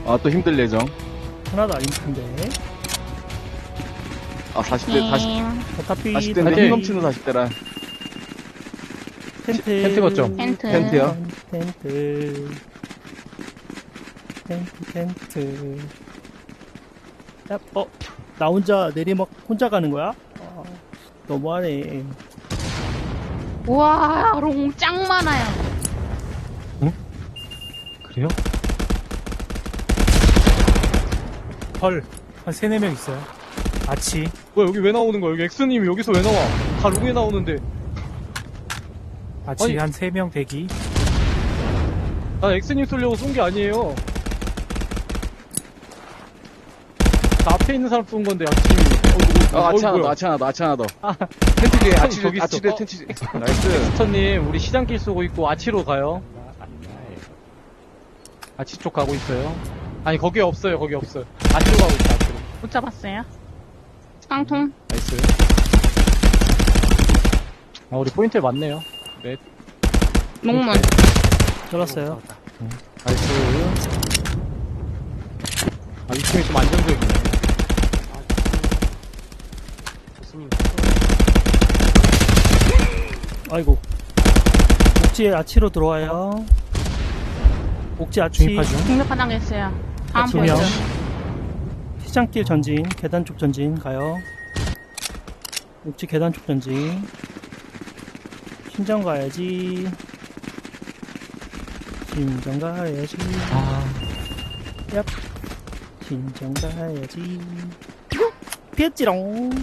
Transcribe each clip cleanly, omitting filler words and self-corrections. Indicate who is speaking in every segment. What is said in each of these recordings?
Speaker 1: 아, 또 힘들 예정.
Speaker 2: 하나도 안 힘든데.
Speaker 1: 아, 40대, 40대인데 힘 넘치는 40대라.
Speaker 2: 텐트
Speaker 3: 거점.
Speaker 1: 텐트요?
Speaker 2: 텐트. 야, 나 혼자 내리막 혼자 가는 거야? 너무하네.
Speaker 4: 우와, 롱 짱 많아요.
Speaker 3: 그래요?
Speaker 5: 헐, 한 3, 4명 있어요. 아치.
Speaker 3: 뭐야, 여기 왜 나오는 거야? 여기 엑스님이 여기서 왜 나와? 다 롱에 나오는데.
Speaker 5: 아치
Speaker 3: 아니.
Speaker 5: 한 3명 대기.
Speaker 3: 난 엑스님 쏘려고 쏜 게 아니에요. 나 앞에 있는 사람 쏜 건데, 아침이.
Speaker 1: 아치 하나 더, 아치 하나 더. 텐트 뒤에, 아치
Speaker 3: 저기 있어.
Speaker 1: 뒤에 텐트 뒤에.
Speaker 3: 나이스. 스터님, 우리 시장길 쏘고 있고, 아치로 가요. 아치 쪽 가고 있어요. 아니, 거기 없어요, 거기 없어요. 아치로 가고 있어, 아치로.
Speaker 4: 못 잡았어요. 깡통.
Speaker 3: 나이스. 우리 포인트 맞네요. 네.
Speaker 4: 농문.
Speaker 2: 들었어요.
Speaker 3: 나이스. 이 팀이 좀 안정적이네.
Speaker 2: 아이고. 옥지에 아치로 들어와요. 옥지 아치.
Speaker 5: 중립파 중.
Speaker 4: 공격파당했어요. 다음
Speaker 2: 두 명.
Speaker 4: 포인트.
Speaker 2: 시장길 전진, 계단 쪽 전진 가요. 옥지 계단 쪽 전진. 신정 가야지. 신정 가야지. 얍. 신정 가야지. 피했지롱.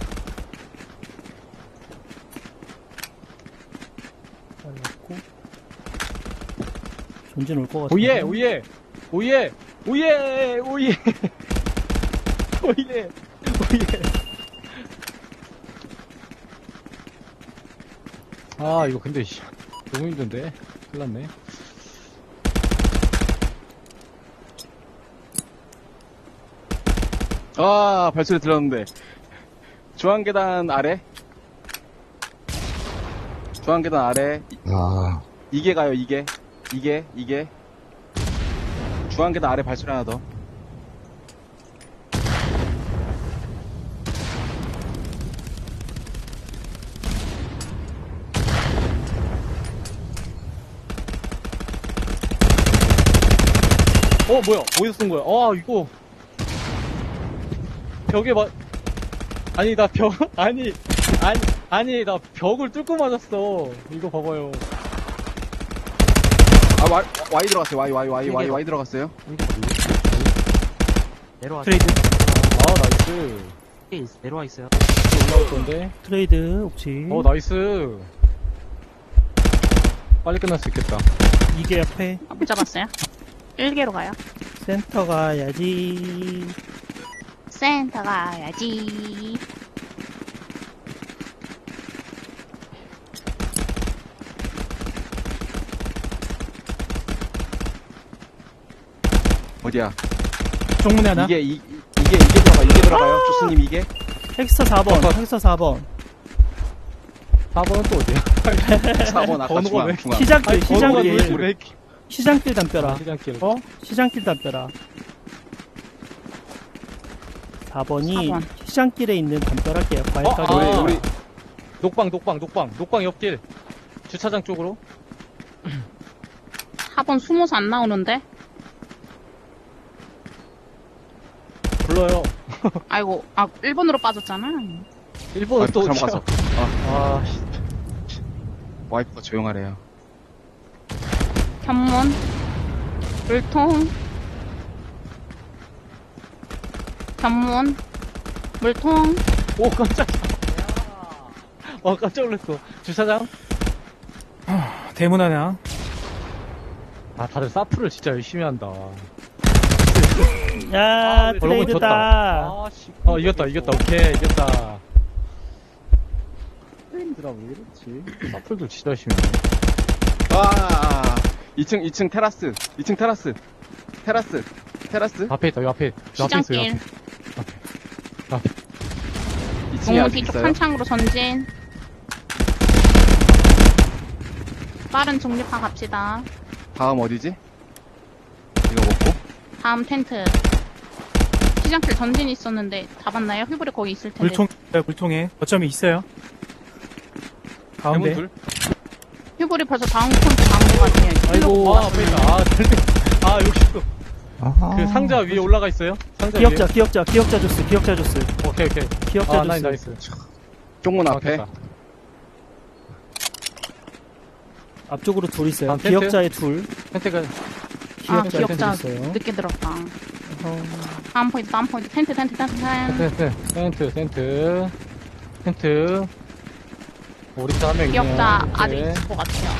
Speaker 2: 잘렸고. 전진 올 것 같아.
Speaker 3: 오예, 오예, 오예, 오예, 오예, 오예, 오예. 아, 이거 근데, 너무 힘든데? 큰일 났네.
Speaker 1: 아, 발소리 들었는데. 중앙계단 아래. 중앙계단 아래. 이게 가요, 이게. 이게. 중앙계단 아래 발소리 하나 더.
Speaker 3: 뭐야, 어디서 쏜 거야? 이거. 벽에 아니, 나 아니, 나 벽을 뚫고 맞았어. 이거 봐봐요.
Speaker 1: 아, Y 들어갔어요. Y 들어갔어요.
Speaker 6: 내려와.
Speaker 2: 트레이드.
Speaker 3: 나이스.
Speaker 6: 내려와 있어요.
Speaker 3: 올라올 건데.
Speaker 2: 트레이드, 옥지.
Speaker 3: 나이스. 빨리 끝날 수 있겠다.
Speaker 2: 이게 옆에.
Speaker 4: 못 잡았어요. 1개로 가요.
Speaker 2: 센터 가야지.
Speaker 4: 센터 가야지.
Speaker 1: 어디야?
Speaker 5: 쪽문에 하나.
Speaker 1: 이게 들어가요. 조스님 이게.
Speaker 2: 헬스터 4번, 헬스터 4번.
Speaker 3: 4번은 또 어디야?
Speaker 1: 4번 아까
Speaker 3: 번호가
Speaker 1: 중앙.
Speaker 2: 시장길,
Speaker 3: 번호가 왜
Speaker 2: 시장길.
Speaker 3: 이렇게
Speaker 2: 시장길 담벼라.
Speaker 3: 시장길.
Speaker 2: 시장길 담벼라. 4번이
Speaker 4: 4번.
Speaker 2: 시장길에 있는 담벼락이에요. 과일가게.
Speaker 1: 우리
Speaker 3: 녹방 옆길. 주차장 쪽으로.
Speaker 4: 4번 숨어서 안 나오는데?
Speaker 3: 불러요.
Speaker 4: 아이고, 1번으로 빠졌잖아.
Speaker 3: 1번은 또
Speaker 1: 잘못
Speaker 3: 어디야?
Speaker 1: 갔어.
Speaker 3: 씨.
Speaker 1: 와이프가 조용하래요.
Speaker 4: 견문. 물통. 견문. 물통.
Speaker 3: 오, 깜짝이야. 깜짝 놀랐어. 주차장?
Speaker 5: 대문 하나.
Speaker 3: 다들 사프를 진짜 열심히 한다.
Speaker 2: 야,
Speaker 3: 그러고
Speaker 2: 트레이드다.
Speaker 3: 씨. 이겼다. 오케이, 이겼다. 힘들아, 왜 이렇지? 사프들 진짜 열심히 하네.
Speaker 1: 2층 테라스. 2층 테라스.
Speaker 3: 앞에 있다, 요 앞에. 요 앞에 있어요.
Speaker 4: 시장길.
Speaker 3: 앞에.
Speaker 1: 2층에
Speaker 4: 동문
Speaker 1: 아직
Speaker 4: 뒤쪽
Speaker 1: 있어요.
Speaker 4: 탄창으로 전진. 빠른 중립파 갑시다.
Speaker 1: 다음 어디지? 이거 먹고.
Speaker 4: 다음 텐트. 시장길 전진 있었는데 잡았나요? 휘불이 거기 있을 텐데.
Speaker 5: 물통에 거점이 있어요. 가운데.
Speaker 1: 대문 둘.
Speaker 4: 휘불이 벌써 다음 콘트 나온 것 같아요.
Speaker 1: 아이고, 아, 앞에 있다. 아, 절대. 아, 여기 또.
Speaker 3: 아하.
Speaker 1: 그 상자 위에 올라가 있어요? 상자
Speaker 2: 기억자,
Speaker 1: 위에.
Speaker 2: 기억자 주스.
Speaker 1: 오케이, 오케이.
Speaker 2: 기억자
Speaker 1: 아, 나이스,
Speaker 2: 주스.
Speaker 1: 나이스.
Speaker 3: 쪽문
Speaker 1: 아,
Speaker 3: 앞에.
Speaker 1: 됐다.
Speaker 2: 앞쪽으로 둘 있어요.
Speaker 1: 다음 텐트?
Speaker 2: 기억자에 둘.
Speaker 1: 텐트가,
Speaker 4: 아,
Speaker 2: 기억자에 둘
Speaker 4: 기억자
Speaker 2: 있어요.
Speaker 4: 늦게 들었다.
Speaker 2: 어,
Speaker 4: 다음 포인트, 다음 포인트. 텐트.
Speaker 1: 텐트. 우리 한 명 있네요.
Speaker 4: 기억자
Speaker 1: 텐트.
Speaker 4: 아직 있을 것 같아요.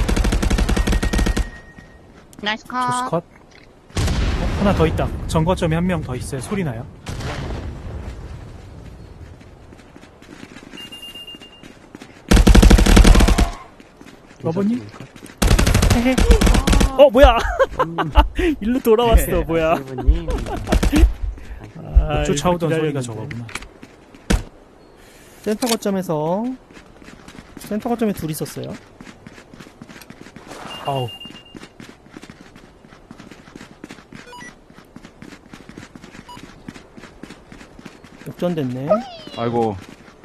Speaker 4: 나이스 컷.
Speaker 5: 조스 컷. 하나 더 있다. 정거점에 한 명 더 있어요. 소리 나요. 러버님? 헤헤.
Speaker 2: 뭐야? 일로 돌아왔어, 뭐야? 아,
Speaker 5: 쫓아오던
Speaker 2: 이렇게
Speaker 5: 소리가
Speaker 2: 기다렸는데.
Speaker 5: 저거구나.
Speaker 2: 센터 거점에 둘 있었어요.
Speaker 5: 아우.
Speaker 2: 역전됐네.
Speaker 3: 아이고.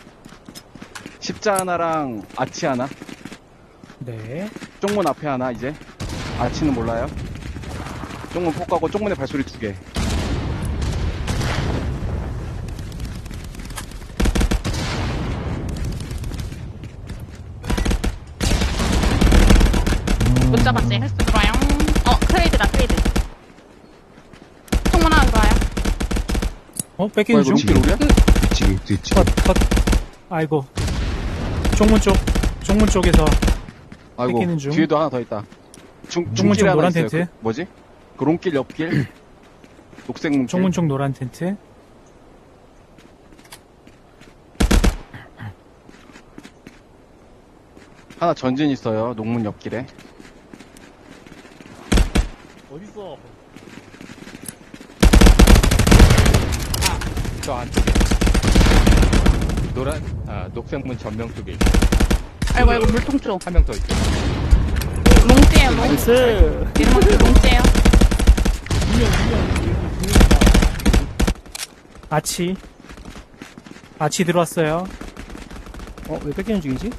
Speaker 3: 십자 하나랑 아치 하나.
Speaker 5: 네.
Speaker 3: 쪽문 앞에 하나, 이제. 아치는 몰라요. 쪽문 폭 가고 쪽문에 발소리 2개.
Speaker 4: 못 잡았어요. 헬스 들어와요. 트레이드. 총문 하나 들어와요.
Speaker 5: 뺏기는 중?
Speaker 3: 롱길 우리야?
Speaker 5: 컷. 아이고. 쪽문 쪽에서
Speaker 3: 아이고,
Speaker 5: 뺏기는 중.
Speaker 3: 뒤에도 하나 더 있다.
Speaker 5: 쪽문
Speaker 3: 중길
Speaker 5: 쪽
Speaker 3: 하나
Speaker 5: 노란
Speaker 3: 있어요.
Speaker 5: 텐트.
Speaker 3: 그, 뭐지? 그 롱길 옆길. 녹색 문길.
Speaker 5: 쪽문 쪽 노란 텐트.
Speaker 3: 하나 전진 있어요. 농문 옆길에.
Speaker 1: 어딨어? 저 안쪽에. 녹색문 전명 쪽에 있어.
Speaker 4: 아이고, 물통 쪽.
Speaker 1: 한 명 더 있어.
Speaker 4: 롱째요, 롱.
Speaker 2: 나이스.
Speaker 4: 이름은 롱째요.
Speaker 5: 아치 들어왔어요.
Speaker 2: 왜 뺏기는 중이지?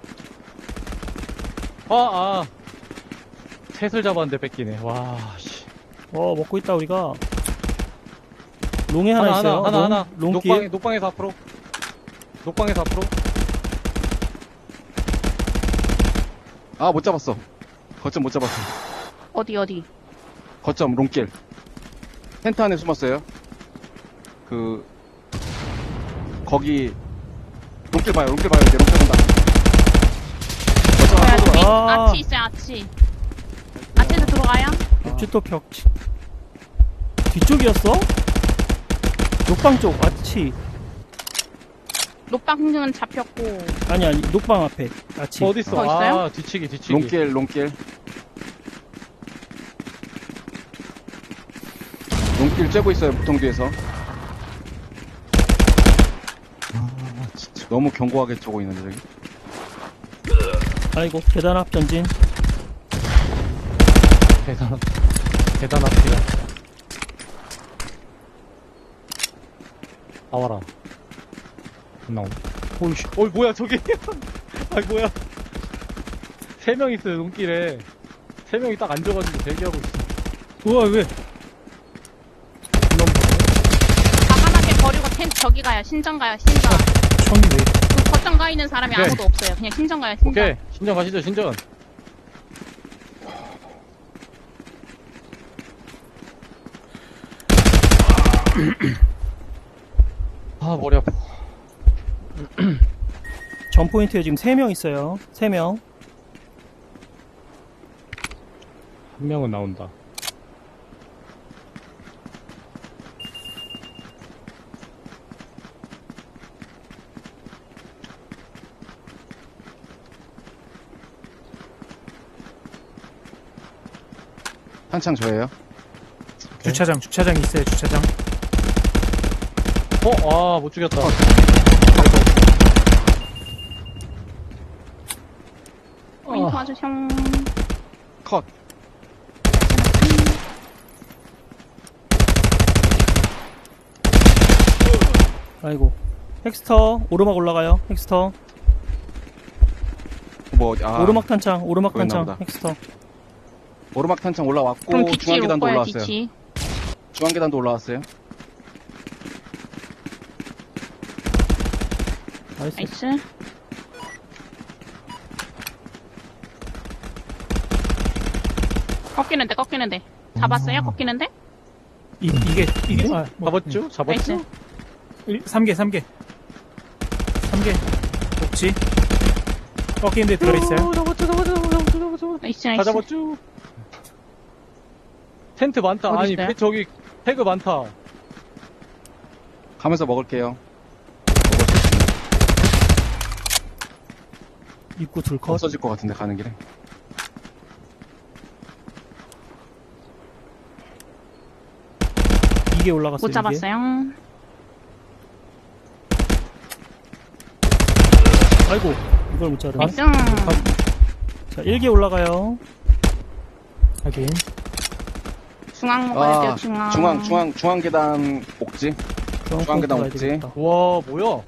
Speaker 1: 셋을 잡았는데 뺏기네. 와, 씨.
Speaker 2: 먹고 있다, 우리가. 롱에 하나 있어요.
Speaker 1: 하나.
Speaker 2: 롱길.
Speaker 1: 녹방에서 앞으로.
Speaker 3: 아, 못 잡았어. 거점 못 잡았어.
Speaker 4: 어디.
Speaker 3: 거점 롱길. 텐트 안에 숨었어요. 거기 롱길 봐요. 이제 롱길 온다. 거점 안에
Speaker 4: 뒤,
Speaker 2: 아.
Speaker 4: 아치 있어요, 아치. 아치에서 들어가요.
Speaker 2: 또 벽. 뒤쪽이었어? 녹방 쪽, 아치.
Speaker 4: 녹방은 잡혔고.
Speaker 2: 아니, 녹방 앞에. 아치.
Speaker 1: 어딨어?
Speaker 4: 더 있어요?
Speaker 1: 아, 뒤치기.
Speaker 3: 롱길. 롱길 쬐고 있어요. 보통 뒤에서. 진짜 너무 견고하게 쪼고 있는데 저기.
Speaker 2: 아이고, 계단 앞 전진.
Speaker 1: 대단합니다. 나와라. 나오. 오이씨. 뭐야, 저기. 뭐야. 3명 있어요, 눈길에. 3명이 딱 앉아가지고 대기하고 있어.
Speaker 5: 우와, 왜?
Speaker 4: 가만하게 버리고 텐트 저기 가요. 신전 가요, 신전.
Speaker 5: 총이 왜?
Speaker 4: 그 거점 가 있는 사람이
Speaker 1: 오케이.
Speaker 4: 아무도 없어요. 그냥 신전 가요, 신전.
Speaker 1: 오케이. 신전 가시죠, 신전. 머리 아파.
Speaker 2: 전 포인트에 지금 3명 있어요. 3명.
Speaker 1: 한 명은 나온다.
Speaker 3: 한창 저예요.
Speaker 5: 주차장 있어요, 주차장.
Speaker 1: 못 죽였다.
Speaker 4: 포인트 와주셔.
Speaker 3: 컷.
Speaker 2: 아이고. 헥스터, 오르막 올라가요. 헥스터. 오르막 탄창, 오르막
Speaker 3: 보였나
Speaker 2: 탄창.
Speaker 3: 보다.
Speaker 2: 헥스터.
Speaker 3: 오르막 탄창
Speaker 4: 그럼
Speaker 3: 올라왔고
Speaker 4: 기치
Speaker 3: 중앙
Speaker 4: 올
Speaker 3: 계단도
Speaker 4: 거야,
Speaker 3: 올라왔어요.
Speaker 4: 기치.
Speaker 3: 중앙 계단도 올라왔어요.
Speaker 2: 나이스.
Speaker 4: 나이스. 꺾이는데. 잡았어요? 꺾이는데?
Speaker 5: 이게,
Speaker 1: 잡았죠? 잡았죠?
Speaker 4: 나이스.
Speaker 5: 3개. 3개. 옥지. 꺾이는데 들어있어요.
Speaker 4: 나이스,
Speaker 1: 다
Speaker 4: 나이스.
Speaker 1: 잡았죠? 텐트 많다.
Speaker 4: 어디
Speaker 1: 아니,
Speaker 4: 있어요?
Speaker 1: 저기, 태그 많다.
Speaker 3: 가면서 먹을게요.
Speaker 2: 입구 둘 컷.
Speaker 3: 없어질 것 같은데 가는 길에.
Speaker 2: 이게 올라갔어요.
Speaker 4: 못 잡았어요.
Speaker 2: 이게. 아이고. 이걸 못 자르네.
Speaker 4: 나이스.
Speaker 2: 자, 1개 올라가요.
Speaker 5: 하긴.
Speaker 4: 중앙 먹어야 돼요, 중앙.
Speaker 3: 중앙 계단 옥지. 중앙 계단
Speaker 2: 가야
Speaker 3: 옥지.
Speaker 2: 되겠다.
Speaker 1: 와, 뭐야?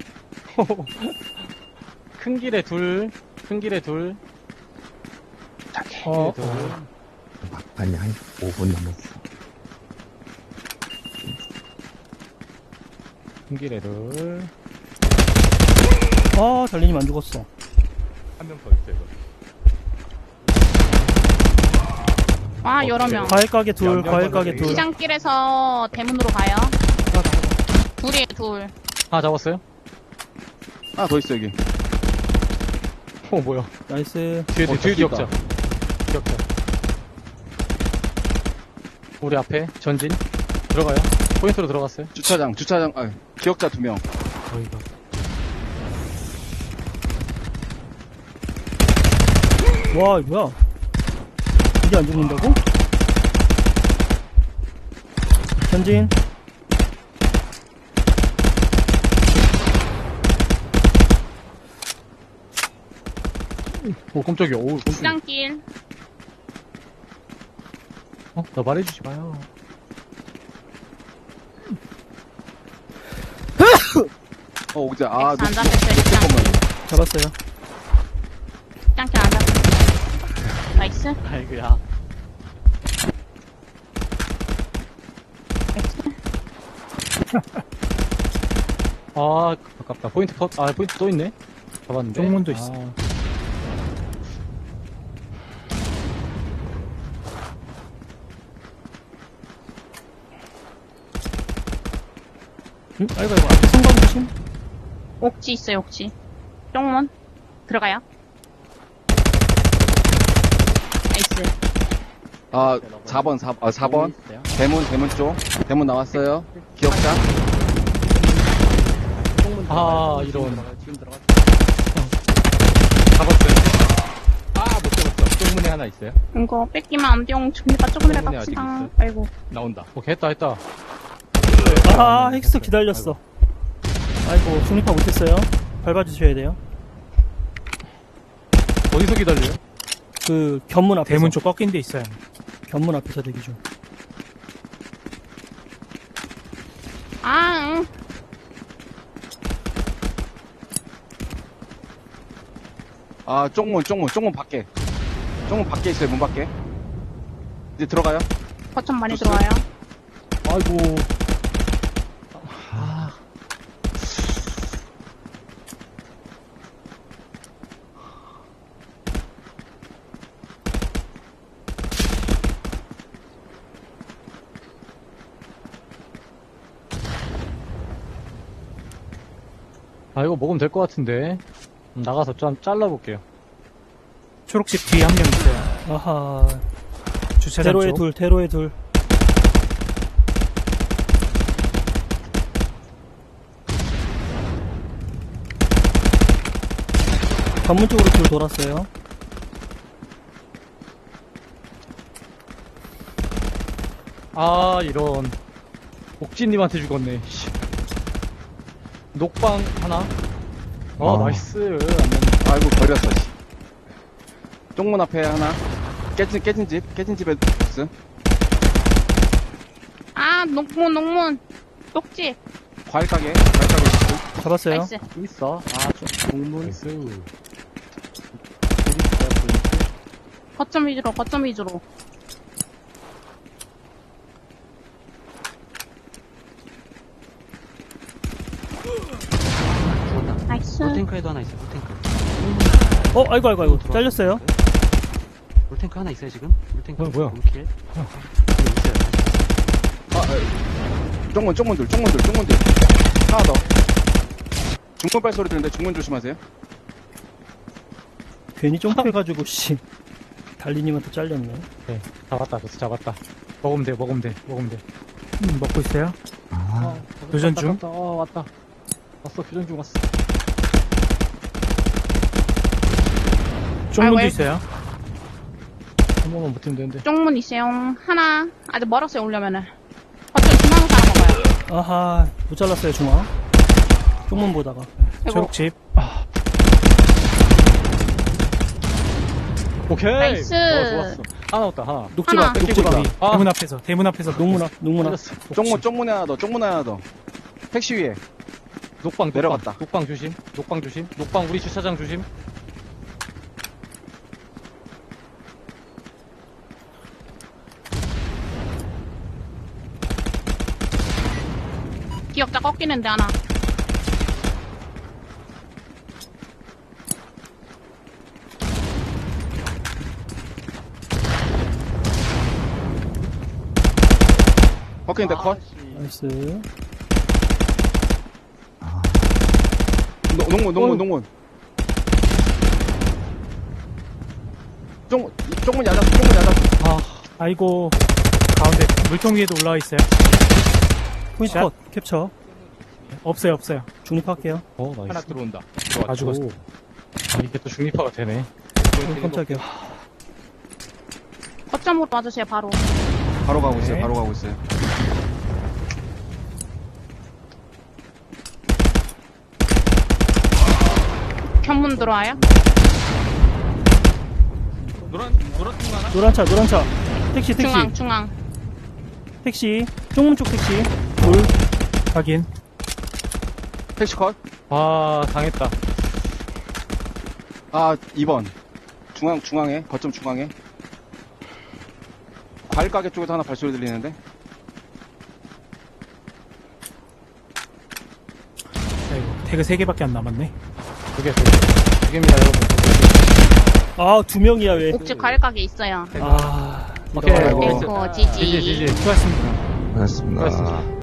Speaker 1: 큰 길에 둘. 큰 길에 둘.
Speaker 5: 어,
Speaker 1: 둘.
Speaker 6: 막판이 한 5분 남았어.
Speaker 1: 큰 길에 둘.
Speaker 2: 아, 달리님 안 죽었어.
Speaker 1: 한 명 더 있어요, 이거.
Speaker 4: 와, 여러 명.
Speaker 2: 과일 가게 둘,
Speaker 1: 양념
Speaker 2: 과일 가게
Speaker 1: 버섯이.
Speaker 2: 둘.
Speaker 4: 시장길에서 대문으로 가요. 둘이에요, 둘.
Speaker 1: 아, 잡았어요?
Speaker 3: 하나 더 있어 여기.
Speaker 1: 뭐야.
Speaker 2: 나이스.
Speaker 1: 뒤에
Speaker 3: 저기
Speaker 1: 기억자. 기억자. 우리 앞에 전진. 들어가요. 포인트로 들어갔어요.
Speaker 3: 주차장. 기억자 2명.
Speaker 5: 저희가.
Speaker 2: 와, 이거 뭐야? 이게 안 죽는다고? 전진.
Speaker 1: 오, 깜짝이야. 오, 깜짝이야.
Speaker 4: 시장길.
Speaker 1: 나 말해주지 마요.
Speaker 3: 옥지.
Speaker 4: 안
Speaker 3: 녹-
Speaker 4: 잡혔어요, 시장길.
Speaker 2: 잡았어요.
Speaker 4: 시장길 안 잡혔어요. 나이스.
Speaker 1: 아이고야. 아, 아깝다. 포인트 컷. 아, 포인트 또 있네. 잡았는데.
Speaker 5: 쪽문도 있어.
Speaker 1: 아,
Speaker 2: 응? 아이고, 앞에 성광 조심.
Speaker 4: 옥지 있어요, 옥지. 쪽문. 들어가요. 나이스.
Speaker 3: 4번. 대문 쪽. 대문 나왔어요. 기억자.
Speaker 1: 이런. 잡았어요. 못 잡았어. 쪽문에 하나 있어요.
Speaker 4: 이거 뺏기면 안 돼요. 준비가 조금이라
Speaker 1: 쪽문에 아직
Speaker 4: 갑시다.
Speaker 1: 있어요.
Speaker 4: 아이고.
Speaker 1: 나온다. 오케이, 했다.
Speaker 2: 아, 헥스 기다렸어. 아이고, 중립화 못했어요. 밟아주셔야 돼요.
Speaker 1: 어디서 기다려요?
Speaker 2: 그, 견문 앞에서.
Speaker 5: 대문 쪽 꺾인 데 있어요.
Speaker 2: 견문 앞에서 대기 중.
Speaker 4: 아, 응.
Speaker 3: 쪽문 밖에. 쪽문 밖에 있어요, 문 밖에. 이제 들어가요.
Speaker 4: 거점 많이
Speaker 3: 좋습니다.
Speaker 4: 들어와요.
Speaker 1: 아이고. 이거 먹으면 될 것 같은데. 나가서 좀 잘라볼게요.
Speaker 5: 초록집 뒤에 한 명 있어요.
Speaker 2: 아하.
Speaker 5: 주차장
Speaker 2: 대로에
Speaker 5: 쪽.
Speaker 2: 둘, 대로에 둘. 관문 쪽으로 둘 돌았어요.
Speaker 1: 이런. 옥진님한테 죽었네. 씨. 녹방 하나. 나이스. 안 됐네.
Speaker 3: 아이고, 버렸어, 씨. 쪽문 앞에 하나. 깨진 집에 복스.
Speaker 4: 아, 녹문. 녹지.
Speaker 3: 과일 가게 있고.
Speaker 2: 잡았어요.
Speaker 4: 나이스.
Speaker 1: 있어. 아, 동문. 나이스.
Speaker 4: 거점 위주로, 거점 위주로.
Speaker 7: 죽었다.
Speaker 4: 나이스.
Speaker 7: 물탱크에도 하나 있어요, 물탱크.
Speaker 2: 아이고. 잘렸어요.
Speaker 7: 물탱크 하나 있어요, 지금? 물탱크.
Speaker 1: 뭐야?
Speaker 7: 물킬.
Speaker 3: 쪽문 둘. 하나 더. 중문 발소리 들리는데 중문 조심하세요.
Speaker 2: 괜히 점프해가지고, 씨. 달리님한테 잘렸네.
Speaker 1: 네, 잡았다, 보스 잡았다. 먹으면 돼.
Speaker 5: 먹고 있어요.
Speaker 6: 아,
Speaker 5: 교전 중.
Speaker 1: 왔다. 왔어, 교전 중 왔어.
Speaker 5: 쪽문도
Speaker 4: 왜?
Speaker 5: 있어요.
Speaker 1: 한 번만 버티면 되는데.
Speaker 4: 쪽문 있어요. 하나. 아직 멀었어요, 오려면은. 거점 중앙에서 하나 먹어요.
Speaker 2: 아하, 못 잘랐어요, 중앙. 쪽문 보다가.
Speaker 4: 아이고.
Speaker 5: 초록집.
Speaker 1: 오케이!
Speaker 4: 나이스.
Speaker 1: 좋았어. 하나 왔다, 하나.
Speaker 2: 녹지마,
Speaker 4: 하나.
Speaker 2: 녹지마.
Speaker 5: 대문 앞에서.
Speaker 2: 농문 앞.
Speaker 3: 쪽문 하나 더. 택시 위에.
Speaker 1: 녹방
Speaker 3: 내려갔다.
Speaker 1: 녹방 조심. 녹방 우리 주차장 조심.
Speaker 4: 기억자 꺾이는데 하나.
Speaker 3: 버킷인데 컷.
Speaker 2: 나이스.
Speaker 3: 농문. 쪽문 야자.
Speaker 5: 아이고. 가운데 물통 위에도 올라와 있어요.
Speaker 2: 포인트
Speaker 5: 샷.
Speaker 2: 컷, 캡처.
Speaker 5: 없어요.
Speaker 2: 중립할게요.
Speaker 1: 나이스.
Speaker 3: 하나 들어온다.
Speaker 5: 다 죽었어.
Speaker 1: 아, 이게 또 중립화가 되네.
Speaker 2: 깜짝이야.
Speaker 4: 거점으로 와주세요, 바로.
Speaker 3: 바로 가고
Speaker 5: 네.
Speaker 3: 있어요.
Speaker 4: 견문 들어와요.
Speaker 2: 노란 차. 택시.
Speaker 4: 중앙.
Speaker 2: 택시. 쪽문 쪽 택시. 돌.
Speaker 5: 확인.
Speaker 3: 택시 컷.
Speaker 1: 아, 당했다.
Speaker 3: 2번. 중앙에. 거점 중앙에. 과일 가게 쪽에서 하나 발소리 들리는데.
Speaker 5: 아이고. 태그 3개밖에 안 남았네.
Speaker 1: 두 개입니다, 여러분.
Speaker 2: 아, 2명이야, 왜.
Speaker 4: 옥집 과일 가게 있어요.
Speaker 2: 아.
Speaker 1: 오케이.
Speaker 3: 아이고.
Speaker 4: 그리고 지지.
Speaker 1: 지지.
Speaker 5: 수고하셨습니다.
Speaker 6: 고맙습니다.
Speaker 1: 수고하셨습니다.